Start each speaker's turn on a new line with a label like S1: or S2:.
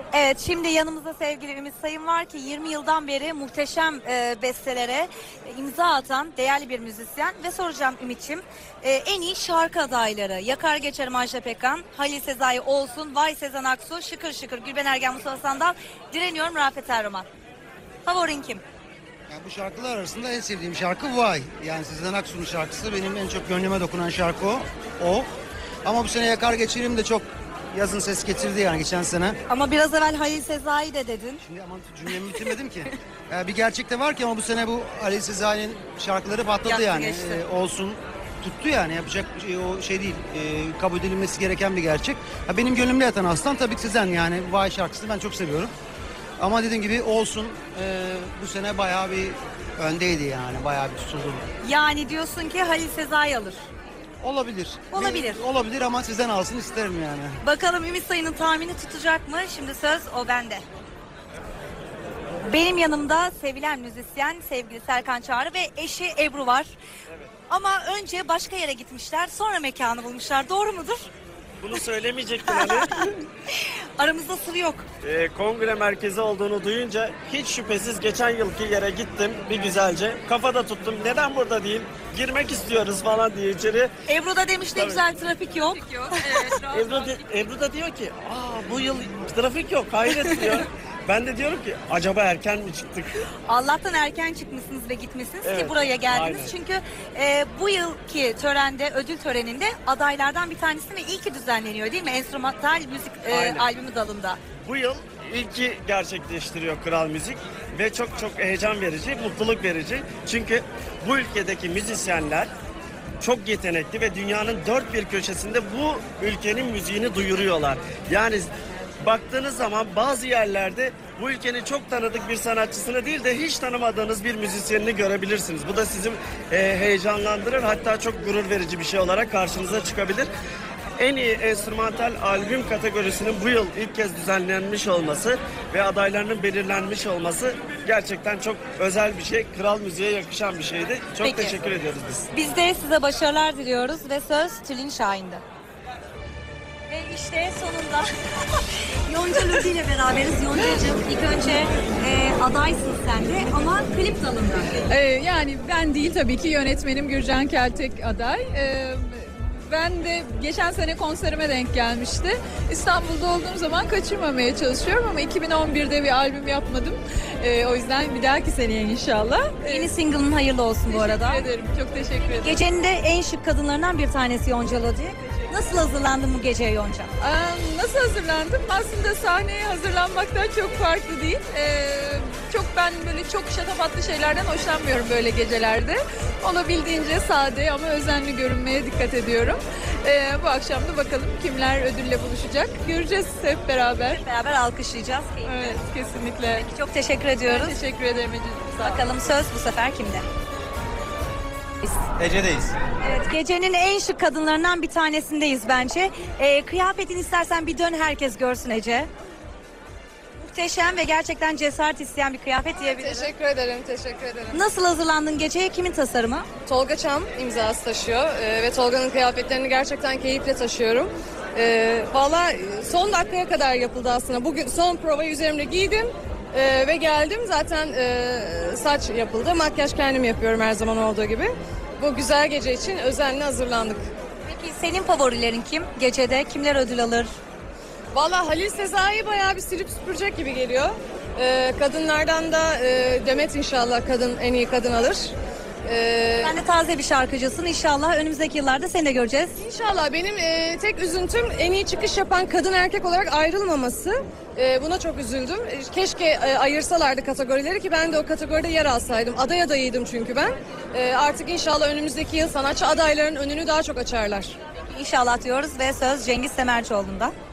S1: Evet, şimdi yanımızda sevgili Ümit Sayın var ki 20 yıldan beri muhteşem bestelere imza atan değerli bir müzisyen ve soracağım Ümit'ciğim, en iyi şarkı adayları Yakar Geçerim Ajda Pekkan, Halil Sezai Olsun, Vay Sezen Aksu, Şıkır Şıkır Gülben Ergen, Mustafa Sandal, Direniyorum Rafet Erroman. Favorin kim?
S2: Yani bu şarkılar arasında en sevdiğim şarkı Vay. Yani Sezen Aksu'nun şarkısı, benim en çok gönlüme dokunan şarkı o. Ama bu sene Yakar Geçerim de çok yazın ses getirdi yani geçen sene.
S1: Ama biraz evvel Halil Sezai de dedin.
S2: Şimdi aman cümlemi bitirmedim ki. Bir gerçek de var ki ama bu sene bu Ali Sezai'nin şarkıları patladı
S1: Yaktı
S2: yani.
S1: geçti.
S2: Olsun tuttu yani, yapacak o şey değil. Kabul edilmesi gereken bir gerçek. Benim gönlümde yatan aslan tabii ki Sezen, yani Vay şarkısını ben çok seviyorum. Ama dediğim gibi Olsun bu sene bayağı bir öndeydi yani, bayağı bir tutuldu.
S1: Yani diyorsun ki Halil Sezai alır.
S2: Olabilir.
S1: Olabilir.
S2: Olabilir ama Sezen alsın isterim yani.
S1: Bakalım Ümit Sayın'ın tahmini tutacak mı? Şimdi söz o bende. Benim yanımda sevilen müzisyen sevgili Serkan Çağrı ve eşi Ebru var.
S3: Evet.
S1: Ama önce başka yere gitmişler, sonra mekanı bulmuşlar. Doğru mudur?
S3: Bunu söylemeyecektim Ali.
S1: Aramızda sır yok.
S3: Kongre merkezi olduğunu duyunca hiç şüphesiz geçen yılki yere gittim bir güzelce. Kafada tuttum. Neden burada değil? Girmek istiyoruz falan diye içeri.
S1: Ebru da demiş ne
S3: Tabii.
S1: güzel trafik yok.
S3: Ebru da diyor ki bu yıl trafik yok, hayret diyor. Ben de diyorum ki acaba erken mi çıktık?
S1: Allah'tan erken çıkmışsınız ve gitmişsiniz ki
S3: Evet,
S1: buraya geldiniz.
S3: aynen.
S1: Çünkü bu yılki törende, ödül töreninde adaylardan bir tanesi ve ilki düzenleniyor değil mi? Enstrümantal müzik
S3: Aynen.
S1: albümü dalında.
S3: Bu yıl ilki gerçekleştiriyor Kral Müzik ve çok heyecan verici, mutluluk verici. Çünkü bu ülkedeki müzisyenler çok yetenekli ve dünyanın dört bir köşesinde bu ülkenin müziğini duyuruyorlar. Yani baktığınız zaman bazı yerlerde bu ülkenin çok tanıdık bir sanatçısını değil de hiç tanımadığınız bir müzisyenini görebilirsiniz. Bu da sizi heyecanlandırır, hatta çok gurur verici bir şey olarak karşınıza çıkabilir. En iyi enstrümantal albüm kategorisinin bu yıl ilk kez düzenlenmiş olması ve adaylarının belirlenmiş olması gerçekten çok özel bir şey. Kral Müziğe yakışan bir şeydi. Çok
S1: Peki.
S3: teşekkür ediyoruz biz.
S1: Biz de size başarılar diliyoruz ve söz Tülin Şahin'de. Ve işte sonunda Yonca Lütfi ile beraberiz. Yonca'cığım ilk önce adaysın sen de ama klip dalında.
S4: Yani ben değil tabii ki, yönetmenim Gürcan Keltek aday. Ben de geçen sene konserime denk gelmişti. İstanbul'da olduğum zaman kaçırmamaya çalışıyorum ama 2011'de bir albüm yapmadım. O yüzden bir dahaki seneye inşallah.
S1: Yeni single'ın hayırlı olsun bu arada.
S4: Teşekkür ederim. Çok teşekkür ederim.
S1: Gecenin de en şık kadınlarından bir tanesi Yonca Lütfi. Nasıl hazırlandın bu geceye Yonca?
S4: Nasıl hazırlandım? Aslında sahneye hazırlanmaktan çok farklı değil. Ben böyle çok şatafatlı şeylerden hoşlanmıyorum böyle gecelerde. Olabildiğince sade ama özenli görünmeye dikkat ediyorum. Bu akşam da bakalım kimler ödülle buluşacak. Göreceğiz hep beraber.
S1: Beraber alkışlayacağız. Keyifli.
S4: Evet, kesinlikle.
S1: Çok teşekkür ediyoruz.
S4: Ben teşekkür ederim Ece. Sağ ol.
S1: Bakalım söz bu sefer kimde?
S2: Ece'deyiz.
S1: Evet, gecenin en şık kadınlarından bir tanesindeyiz bence. Kıyafetini istersen bir dön herkes görsün Ece. Muhteşem ve gerçekten cesaret isteyen bir kıyafet diyebilirim.
S5: Teşekkür ederim, teşekkür ederim.
S1: Nasıl hazırlandın geceye? Kimin tasarımı?
S5: Tolga Çam imzası taşıyor ve Tolga'nın kıyafetlerini gerçekten keyifle taşıyorum. Valla son dakikaya kadar yapıldı aslında. Bugün son provayı üzerimde giydim ve geldim. Zaten saç yapıldı. Makyaj kendim yapıyorum her zaman olduğu gibi. Bu güzel gece için özenle hazırlandık.
S1: Peki senin favorilerin kim? Gecede kimler ödül alır?
S5: Valla Halil Sezai bayağı bir silip süpürecek gibi geliyor. Kadınlardan da Demet inşallah en iyi kadın alır.
S1: Sen de taze bir şarkıcısın. İnşallah önümüzdeki yıllarda seni de göreceğiz.
S5: İnşallah. Benim tek üzüntüm en iyi çıkış yapan kadın erkek olarak ayrılmaması. Buna çok üzüldüm. Keşke ayırsalardı kategorileri ki ben de o kategoride yer alsaydım. Aday adayıydım çünkü ben. Artık inşallah önümüzdeki yıl sanatçı adaylarının önünü daha çok açarlar.
S1: İnşallah diyoruz ve söz Cengiz Semercioğlu'nda.